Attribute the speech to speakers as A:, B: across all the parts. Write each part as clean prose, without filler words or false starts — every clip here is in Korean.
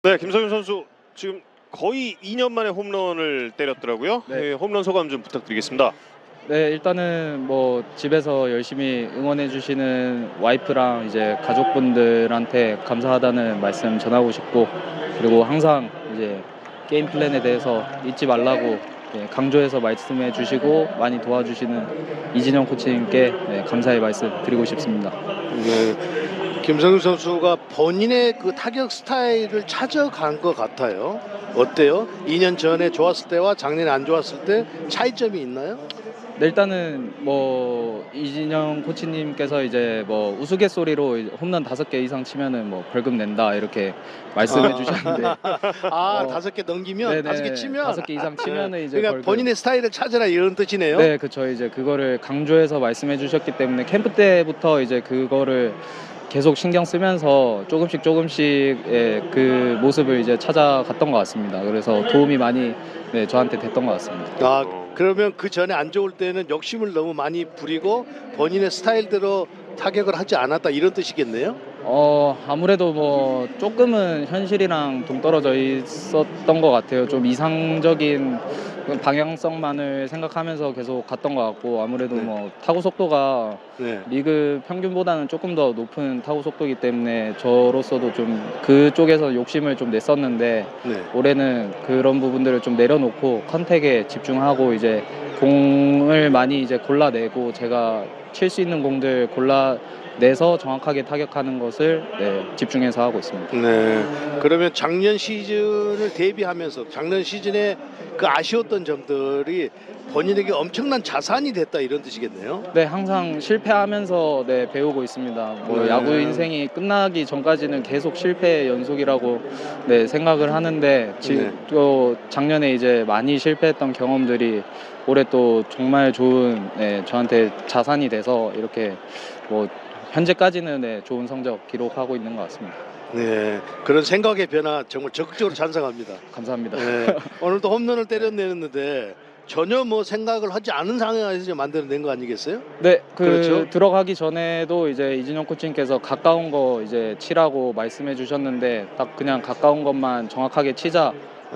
A: 네, 김성윤 선수 지금 거의 2년 만에 홈런을 때렸더라고요.
B: 네.
A: 네, 홈런 소감 좀 부탁드리겠습니다.
B: 네, 일단은 뭐 집에서 열심히 응원해 주시는 와이프랑 이제 가족분들한테 감사하다는 말씀 전하고 싶고, 그리고 항상 이제 게임 플랜에 대해서 잊지 말라고 강조해서 말씀해 주시고 많이 도와주시는 이진영 코치님께 감사의 말씀 드리고 싶습니다.
C: 네, 김성윤 선수가 본인의 그 타격 스타일을 찾아간 것 같아요. 어때요? 2년 전에 좋았을 때와 작년에 안 좋았을 때 차이점이 있나요?
B: 네, 일단은 뭐 이진영 코치님께서 이제 뭐 우스갯소리로 홈런 5개 이상 치면은 뭐 벌금 낸다 이렇게 말씀해 주셨는데,
C: 아, 5개 넘기면, 5개 치면
B: 5개 이상 치면은 이제
C: 그러니까
B: 벌금.
C: 본인의 스타일을 찾아라 이런 뜻이네요.
B: 네, 그렇죠. 이제 그거를 강조해서 말씀해 주셨기 때문에 캠프 때부터 이제 그거를 계속 신경 쓰면서 조금씩 그 모습을 이제 찾아갔던 것 같습니다. 그래서 도움이 많이 저한테 됐던 것 같습니다.
C: 아, 그러면 그 전에 안 좋을 때는 욕심을 너무 많이 부리고 본인의 스타일대로 타격을 하지 않았다 이런 뜻이겠네요.
B: 아무래도 뭐 조금은 현실이랑 동떨어져 있었던 것 같아요. 좀 이상적인 방향성만을 생각하면서 계속 갔던 것 같고, 아무래도
C: 네.
B: 뭐 타구 속도가
C: 네.
B: 리그 평균보다는 조금 더 높은 타구 속도이기 때문에 저로서도 좀 그쪽에서 욕심을 좀 냈었는데,
C: 네.
B: 올해는 그런 부분들을 좀 내려놓고 컨택에 집중하고 이제 공을 많이 이제 골라내고 제가 칠 수 있는 공들 골라내서 정확하게 타격하는 것을 집중해서 하고 있습니다.
C: 네. 그러면 작년 시즌을 대비하면서 작년 시즌에 그 아쉬웠던 점들이 본인에게 엄청난 자산이 됐다 이런 뜻이겠네요.
B: 네, 항상 실패하면서 배우고 있습니다. 뭐
C: 네.
B: 야구 인생이 끝나기 전까지는 계속 실패의 연속이라고 생각을 하는데,
C: 네.
B: 또 작년에 이제 많이 실패했던 경험들이 올해 또 정말 좋은 저한테 자산이 돼서 이렇게 뭐 현재까지는 좋은 성적 기록하고 있는 것 같습니다.
C: 네. 그런 생각의 변화 정말 적극적으로 찬성합니다.
B: 감사합니다.
C: 네. 오늘도 홈런을 때려내는데 전혀 뭐 생각을 하지 않은 상황에서 만들어낸 거 아니겠어요?
B: 네,
C: 그렇죠.
B: 들어가기 전에도 이제 이진영 코치님께서 가까운 거 이제 치라고 말씀해 주셨는데, 딱 그냥 가까운 것만 정확하게 치자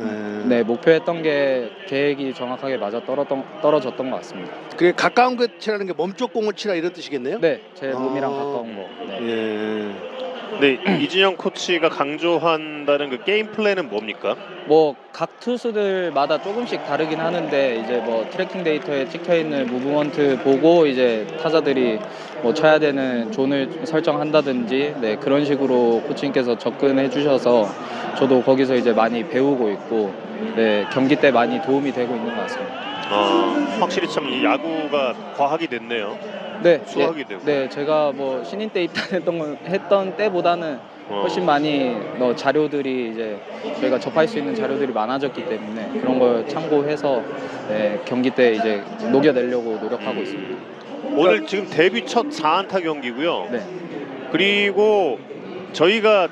B: 목표했던 게 계획이 정확하게 맞아 떨어졌던 것 같습니다.
C: 그게 가까운 것 치라는 게 몸쪽 공을 치라 이런 뜻이겠네요?
B: 네, 제 몸이랑
C: 아.
B: 가까운 거. 네.
C: 예.
A: 네, 이진영 코치가 강조한다는 그 게임 플랜은 뭡니까?
B: 뭐 각 투수들마다 조금씩 다르긴 하는데, 이제 뭐 트래킹 데이터에 찍혀 있는 무브먼트 보고 이제 타자들이 뭐 쳐야 되는 존을 설정한다든지 그런 식으로 코치님께서 접근해 주셔서 저도 거기서 이제 많이 배우고 있고 경기 때 많이 도움이 되고 있는 것 같습니다.
A: 확실히 참 이 야구가 과학이 됐네요.
B: 네,
A: 수학이 되고.
B: 네, 제가 뭐 신인 때 했던 때보다는 훨씬 많이 자료들이 이제 저희가 접할 수 있는 자료들이 많아졌기 때문에 그런 걸 참고해서 경기 때 이제 녹여내려고 노력하고 있습니다.
A: 오늘 지금 데뷔 첫 4안타 경기고요.
B: 네.
A: 그리고 저희가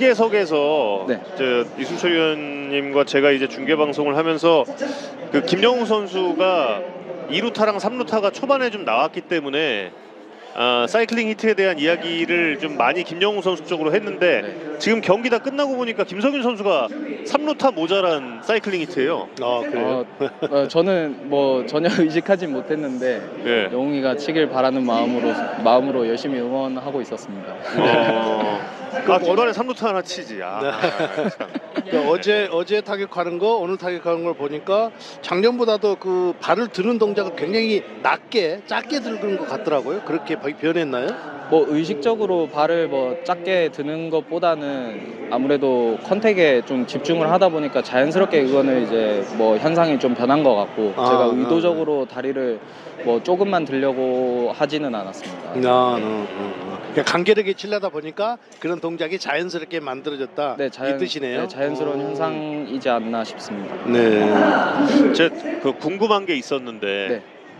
A: 중계석에서
B: 네.
A: 이순철 위원님과 제가 이제 중계 방송을 하면서 그 김영우 선수가 2루타랑 3루타가 초반에 좀 나왔기 때문에 사이클링 히트에 대한 이야기를 좀 많이 김영우 선수 쪽으로 했는데, 지금 경기 다 끝나고 보니까 김성윤 선수가 3루타 모자란 사이클링 히트예요.
C: 아, 그래요?
B: 저는 뭐 전혀 의식하진 못했는데
A: 예.
B: 영웅이가 치길 바라는 마음으로 열심히 응원하고 있었습니다.
A: 중간에 3루타 하나 치지. 참.
C: 그러니까 어제 타격하는 거 오늘 타격하는 걸 보니까 작년보다도 그 발을 드는 동작을 굉장히 작게 들는 것 같더라고요. 그렇게 변했나요?
B: 뭐 의식적으로 발을 뭐 작게 드는 것보다는 아무래도 컨택에 좀 집중을 하다 보니까 자연스럽게 그거는 이제 뭐 현상이 좀 변한 것 같고, 제가 의도적으로 다리를 뭐 조금만 들려고 하지는 않았습니다.
C: 그냥 간결하게 치려다 보니까 그런 동작이 자연스럽게 만들어졌다 이 뜻이네요.
B: 네, 자연스러운 현상이지 않나 싶습니다.
A: 네. 제가 궁금한 게 있었는데,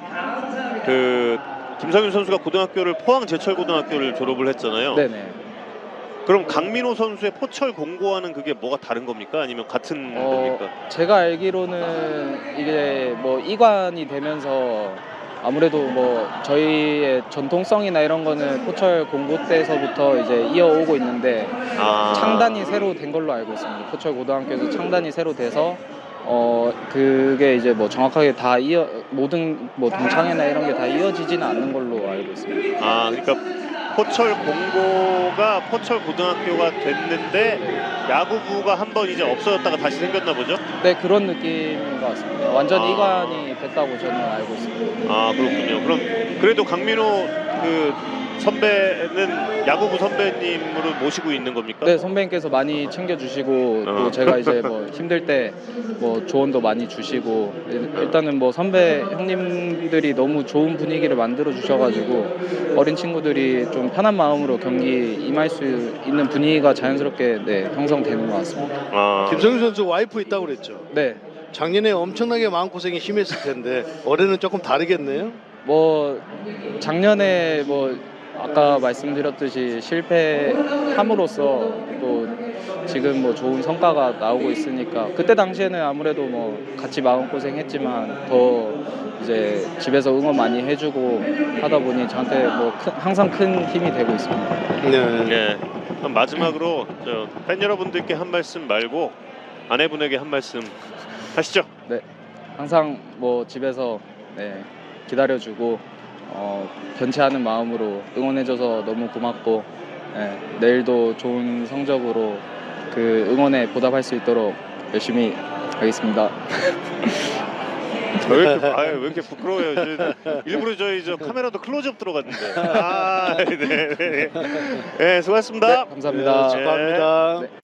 A: 그 김성윤 선수가 고등학교를 포항 제철고등학교를 졸업을 했잖아요.
B: 네네.
A: 그럼 강민호 선수의 포철 공고와는 그게 뭐가 다른 겁니까? 아니면 같은 겁니까?
B: 제가 알기로는 이게 뭐 이관이 되면서 아무래도 뭐 저희의 전통성이나 이런 거는 포철 공고 때서부터 이제 이어오고 있는데 창단이 새로 된 걸로 알고 있습니다. 포철 고등학교에서 창단이 새로 돼서 그게 이제 뭐 정확하게 다 모든 뭐 동창회나 이런 게 다 이어지지는 않는 걸로 알고 있습니다.
A: 그러니까 포철 공고가 포철 고등학교가 됐는데 야구부가 한번 이제 없어졌다가 다시 생겼나 보죠?
B: 네, 그런 느낌인 것 같습니다. 완전히 이관이 됐다고 저는 알고 있습니다.
A: 그렇군요. 그럼 그래도 강민호 그 선배는 야구부 선배님으로 모시고 있는 겁니까?
B: 네, 선배님께서 많이 챙겨주시고 또 제가 이제 뭐 힘들 때 뭐 조언도 많이 주시고 일단은 뭐 선배 형님들이 너무 좋은 분위기를 만들어 주셔가지고 어린 친구들이 좀 편한 마음으로 경기 임할 수 있는 분위기가 자연스럽게 형성되는 것 같습니다.
C: 김성윤 선수 와이프 있다고 그랬죠.
B: 네, 작년에
C: 작년에 엄청나게 마음고생이 심했을 텐데 올해는 조금 다르겠네요.
B: 뭐 작년에 뭐 아까 말씀드렸듯이 실패함으로써 또 지금 뭐 좋은 성과가 나오고 있으니까 그때 당시에는 아무래도 뭐 같이 마음고생했지만 더 이제 집에서 응원 많이 해주고 하다 보니 저한테 뭐 항상 큰 힘이 되고 있습니다.
A: 네. 그럼 마지막으로 팬 여러분들께 한 말씀 말고 아내분에게 한 말씀 하시죠.
B: 네, 항상 뭐 집에서 기다려주고 변치 않은 마음으로 응원해줘서 너무 고맙고 내일도 좋은 성적으로 그 응원에 보답할 수 있도록 열심히 하겠습니다.
A: 왜 이렇게 부끄러워요? 일부러 저희 카메라도 클로즈업 들어갔는데. 네, 수고하셨습니다.
B: 네, 감사합니다.
C: 축하합니다.
B: 네.